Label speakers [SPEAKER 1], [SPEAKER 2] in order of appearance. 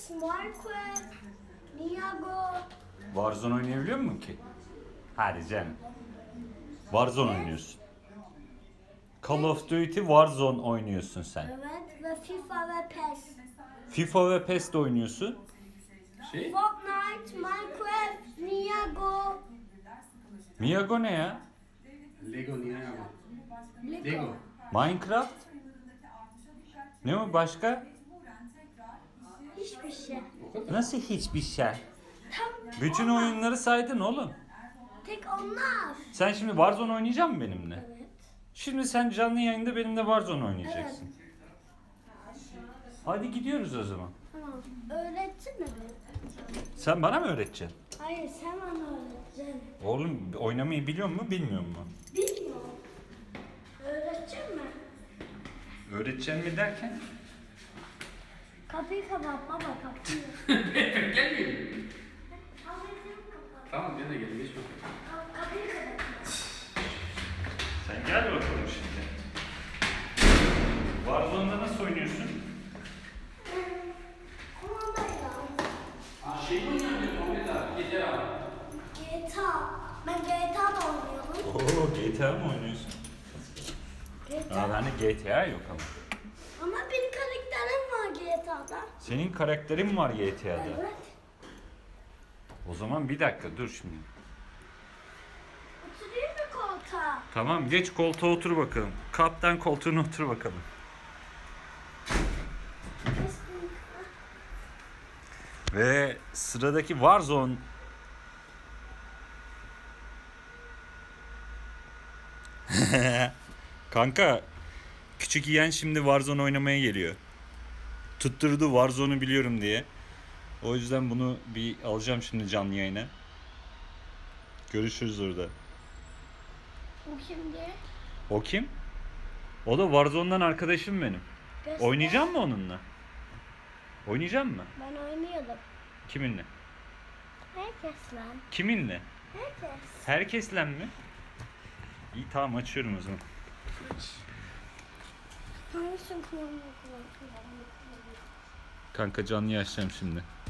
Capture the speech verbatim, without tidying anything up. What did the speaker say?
[SPEAKER 1] Minecraft, Niago.
[SPEAKER 2] Warzone oynayabiliyor musun ki? Hadi canım. Warzone oynuyorsun. Call of Duty Warzone oynuyorsun sen.
[SPEAKER 1] Evet ve FIFA ve PES.
[SPEAKER 2] FIFA ve PES de oynuyorsun.
[SPEAKER 3] Şey?
[SPEAKER 1] Fortnite, Minecraft, Niago.
[SPEAKER 2] Miyago ne ya?
[SPEAKER 3] Lego niye ama?
[SPEAKER 1] Lego.
[SPEAKER 3] Lego.
[SPEAKER 2] Minecraft? Ne o başka?
[SPEAKER 1] Hiçbir şey.
[SPEAKER 2] Nasıl hiçbir şey?
[SPEAKER 1] Tam
[SPEAKER 2] Bütün
[SPEAKER 1] onlar.
[SPEAKER 2] oyunları saydın oğlum.
[SPEAKER 1] Tek onlar.
[SPEAKER 2] Sen şimdi Warzone oynayacak mısın benimle?
[SPEAKER 1] Evet.
[SPEAKER 2] Şimdi sen canlı yayında benimle Warzone oynayacaksın. Hadi gidiyoruz o zaman.
[SPEAKER 1] Tamam. Öğrettin mi beni?
[SPEAKER 2] Sen bana mı öğreteceksin?
[SPEAKER 1] Hayır sen bana öğreteceksin.
[SPEAKER 2] Oğlum oynamayı biliyor mu bilmiyor mu?
[SPEAKER 1] Bilmiyorum. Öğretecek mi?
[SPEAKER 2] Öğreteceksin mi derken?
[SPEAKER 1] Kapıyı kapat baba kapıyı.
[SPEAKER 3] Gelmeyin.
[SPEAKER 1] Kapıyı kapat.
[SPEAKER 3] Tamam gene gelin geç bakalım.
[SPEAKER 1] Ka- Kapıyı kapat.
[SPEAKER 2] Sen gel bakalım şimdi. Warzone'da nasıl oynuyorsun?
[SPEAKER 1] Kumandayla.
[SPEAKER 3] Şey mi oynuyorsun Muhammed abi? Yeter abi.
[SPEAKER 1] G T A. Ben G T A da oynuyorum.
[SPEAKER 2] Oo G T A mı oynuyorsun?
[SPEAKER 1] G T
[SPEAKER 2] Aa
[SPEAKER 1] A.
[SPEAKER 2] bende G T A yok ama.
[SPEAKER 1] Ama benim karakterim var G T A'da.
[SPEAKER 2] Senin karakterin var G T A'da.
[SPEAKER 1] Evet.
[SPEAKER 2] O zaman bir dakika dur şimdi.
[SPEAKER 1] Oturayım mı koltuğa?
[SPEAKER 2] Tamam geç koltuğa otur bakalım. Kaptan koltuğuna otur bakalım. Ve sıradaki Warzone Kanka küçük yeğen şimdi Warzone oynamaya geliyor. Tutturdu Warzone'u biliyorum diye. O yüzden bunu bir alacağım şimdi canlı yayına. Görüşürüz orada.
[SPEAKER 1] Bu şimdi.
[SPEAKER 2] O kim? O da Warzone'dan arkadaşım benim.
[SPEAKER 1] Göster.
[SPEAKER 2] Oynayacak mı onunla? Oynayacak mı?
[SPEAKER 1] Ben oynuyordum.
[SPEAKER 2] Kiminle?
[SPEAKER 1] Herkes lan.
[SPEAKER 2] Kiminle?
[SPEAKER 1] Herkes.
[SPEAKER 2] Herkesle mi? İyi tamam açıyorum o zaman.
[SPEAKER 1] Hangisini kullanmak
[SPEAKER 2] Kanka canlı açacağım şimdi.